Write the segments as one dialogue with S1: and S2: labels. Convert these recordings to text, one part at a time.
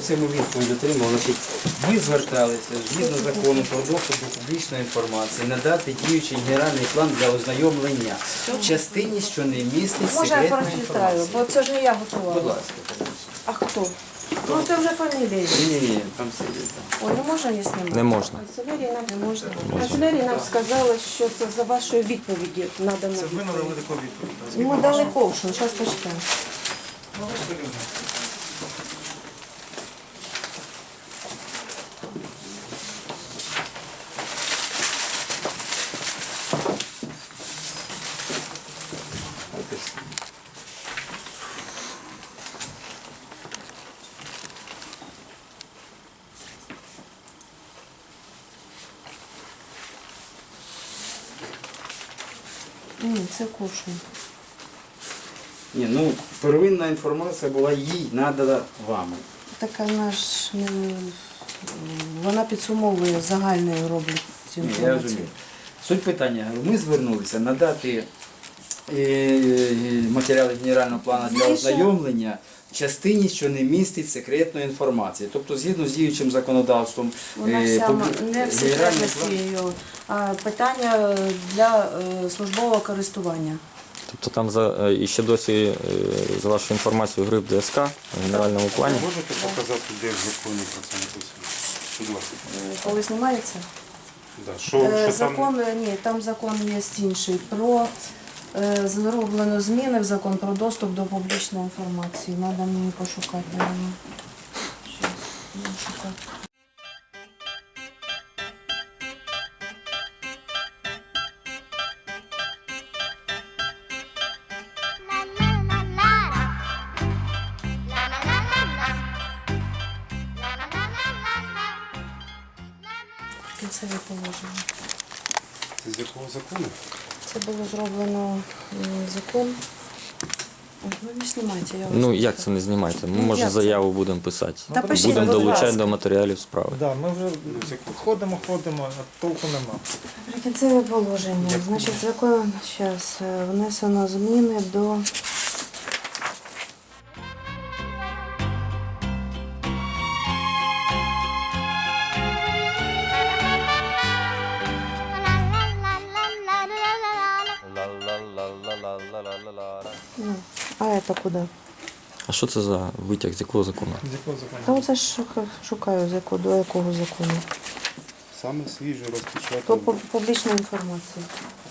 S1: Оце ми відповідь отримали. Значить, ви зверталися згідно закону про доступ до публічної інформації надати діючий генеральний план для ознайомлення в частині, що не містить
S2: Може, я
S1: секретної
S2: прочитаю,
S1: інформації.
S2: бо це ж не я
S1: Будь
S2: готувала.
S1: ласка.
S2: А хто? Ну, це вже фамілія.
S1: Ні, там сидить.
S2: Ой, не можна її знімати?
S3: Не можна.
S2: Канцелярія нам не можна. Канцелярія нам сказала, що це за вашою відповіді надано.
S4: Це ви надали
S2: відповідь.
S4: таку відповідь.
S2: Ми дали ковшу, зараз почитаємо. Ні, це ковшу.
S1: Ні, ну, первинна інформація була їй надана вами.
S2: Так вона ж не... Вона підсумовує загальною роблять цю
S1: Ні, я
S2: інформацію.
S1: розумію. Суть питання. Ми звернулися надати матеріали генерального плану для
S2: Більше-
S1: ознайомлення в частині, що не містить секретної інформації. Тобто, згідно з діючим законодавством,
S2: Вона вся не в
S1: генеральний
S2: секретності
S1: план...
S2: її, а питання для службового користування.
S3: Тобто там і ще досі, за вашу інформацію, гриф ДСК в генеральному плані.
S4: Можете показати, де в законі про це написано? Будь ласка.
S2: Коли знімається?
S4: Да. Що там?
S2: Закон, ні, там закон є інший. Про зроблено зміни в закон про доступ до публічної інформації. Треба мені пошукати, мабуть. Щас, буду шукати. Кінцеві положення.
S4: Це з якого закону?
S2: Це було зроблено закон. Ой, ви не знімайте, я вас
S3: Ну,
S2: прошу.
S3: як це не знімайте? Ми,
S2: Ну,
S3: може,
S2: як це?
S3: заяву будемо писати.
S2: Та пишіть,
S3: Будемо
S2: будь
S3: долучати
S2: ласка.
S3: до матеріалів справи.
S5: Да, ми вже ходимо, а толку нема.
S2: Прикінцеве положення. Значить, закон зараз внесено зміни до Ну, а это куди?
S3: А що це за витяг, з якого закону?
S5: З якого закону?
S2: Та оце ж шукаю, до якого закону.
S4: Саме свіже
S2: Про
S4: розпечатано.
S2: публічну інформацію.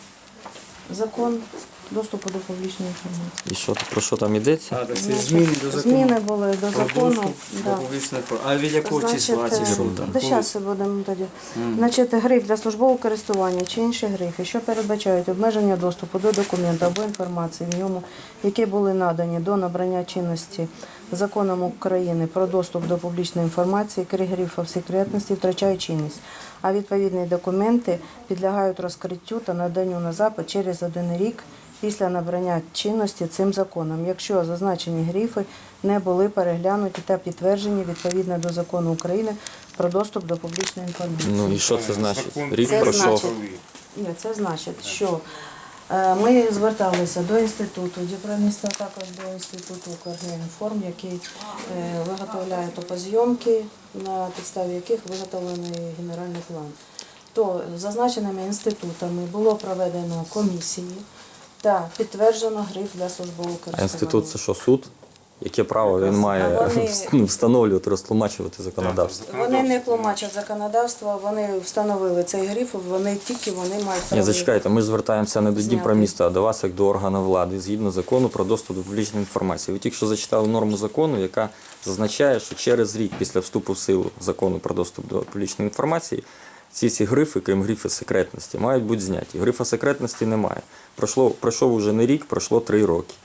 S2: Закон доступу до публічної інформації.
S3: І що, про що там йдеться?
S1: А, так це
S2: Значить,
S1: зміни до закону.
S2: Зміни були до
S1: Про
S2: закону.
S1: доступ до
S2: Да.
S1: публічної інформації. А від якого числа ці що там?
S2: Та зараз будемо тоді. Значить, гриф для службового користування чи інші грифи, що передбачають обмеження доступу до документу або інформації в ньому, які були надані до набрання чинності законом України про доступ до публічної інформації, крім грифів секретності, втрачають чинність. А відповідні документи підлягають розкриттю та наданню на запит через 1 рік після набрання чинності цим законом, якщо зазначені грифи не були переглянуті та підтверджені відповідно до закону України про доступ до публічної інформації.
S3: Ну і що це значить?
S4: Закон
S3: Рік
S2: Це
S3: пройшов.
S2: значить- Ні, це значить, що ми зверталися до інституту, Діпроміста, також до інституту Укрінформ, який виготовляє топозйомки, на підставі яких виготовлений генеральний план. То зазначеними інститутами було проведено комісії та підтверджено гриф для службового
S3: А
S2: користування.
S3: інститут це що, суд? Яке право він має
S2: Вони-
S3: встановлювати, розтлумачувати законодавство?
S2: Вони не тлумачать законодавство, вони встановили цей гриф, вони мають
S3: Ні,
S2: право.
S3: зачекайте, ми ж звертаємося не до
S2: Зняти.
S3: Дніпроміста, а до вас як до органу влади, згідно закону про доступ до публічної інформації. Ви тільки що зачитали норму закону, яка зазначає, що через рік після вступу в силу закону про доступ до публічної інформації ці грифи, крім грифа секретності, мають бути зняті. Грифа секретності немає. Пройшов уже не рік, пройшло 3 роки.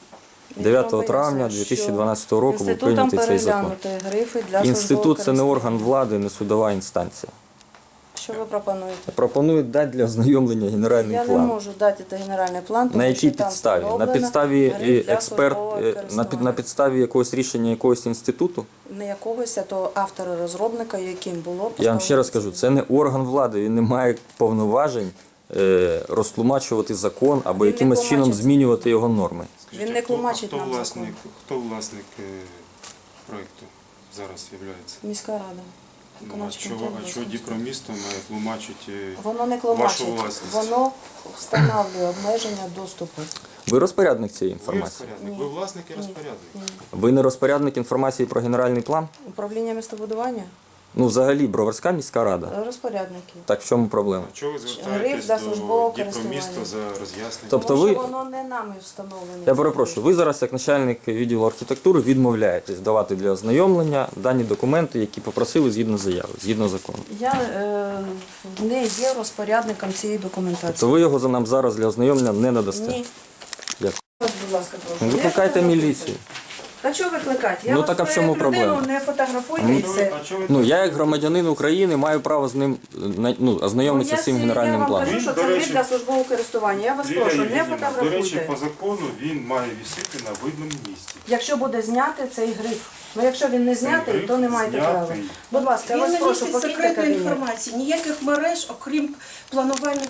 S3: 9 травня 2012 року був прийнятий цей закон.
S2: Грифи для
S3: Інститут – це не
S2: службового
S3: орган влади, не судова інстанція.
S2: Що ви пропонуєте?
S3: Пропонують дати для ознайомлення генеральний
S2: Я не
S3: план.
S2: можу дати цей генеральний план, тому
S3: На якій
S2: що там
S3: підставі? На
S2: встановлено
S3: підставі
S2: гриф для
S3: експерт,
S2: службового
S3: на
S2: користування.
S3: підставі якогось рішення якогось інституту?
S2: Не якогось, а то автора розробника, яким було
S3: Я вам ще раз
S2: поставлено
S3: кажу, це не орган влади, він не має повноважень розтлумачувати закон або
S2: Він не
S3: якимось чином
S2: тлумачить.
S3: змінювати його норми.
S2: Він не тлумачить нам
S4: Хто власник проєкту зараз є?
S2: Міська рада.
S4: Ну, а
S2: Виконавчий
S4: чого
S2: комітет Бузького.
S4: Діпромісто має тлумачити
S2: Воно не
S4: вашу
S2: тлумачить,
S4: власність?
S2: воно встановлює обмеження доступу.
S3: Ви розпорядник цієї
S4: Ви
S3: інформації?
S4: розпорядник,
S2: Ні.
S4: ви власник і розпорядник.
S3: Ви не розпорядник інформації про генеральний план?
S2: Управління містобудування?
S3: Ну, взагалі, Броварська міська рада.
S2: Розпорядники.
S3: Так в чому проблема?
S4: А чого ви
S2: Гриф
S4: звертаєтесь
S2: для
S4: до
S2: службового
S4: Діпромісто
S2: користування.
S4: за роз'яснення?
S3: Тобто
S2: Тому
S3: ви-
S2: що воно не нами встановлене.
S3: Я перепрошую, ви зараз, як начальник відділу архітектури, відмовляєтесь давати для ознайомлення дані документи, які попросили згідно заяви, згідно закону.
S2: Я не є розпорядником цієї документації.
S3: То ви його за нам зараз для ознайомлення не надасте.
S2: Ні.
S3: Дякую.
S2: Ось, будь ласка, прошу.
S3: Ну,
S2: Не
S3: викликайте
S2: фотографуйте.
S3: міліцію.
S2: Та чого викликати? Я
S3: Ну,
S2: вас
S3: так а в чому
S2: як людину
S3: проблема?
S2: не фотографую і все.
S4: А чого ви
S3: Ну, я як громадянин України маю право з ним ознайомитися з цим генеральним
S2: Я вам
S3: планом.
S2: кажу, що
S4: Він, до
S2: це
S4: речі,
S2: гриф для службового користування. Я вас
S4: Лілія
S2: прошу, не
S4: Євгенівна, до речі,
S2: фотографуйте.
S4: по закону він має висіти на видному місці.
S2: Якщо буде зняти цей гриф. Ну, якщо він не знятий,
S4: гриф
S2: то не маєте права.
S4: знятий.
S2: Будь ласка, я
S6: Він
S2: вас
S6: не
S2: прошу,
S6: містить
S2: покиньте
S6: секретної
S2: кабінет.
S6: інформації, ніяких мереж, окрім планувальних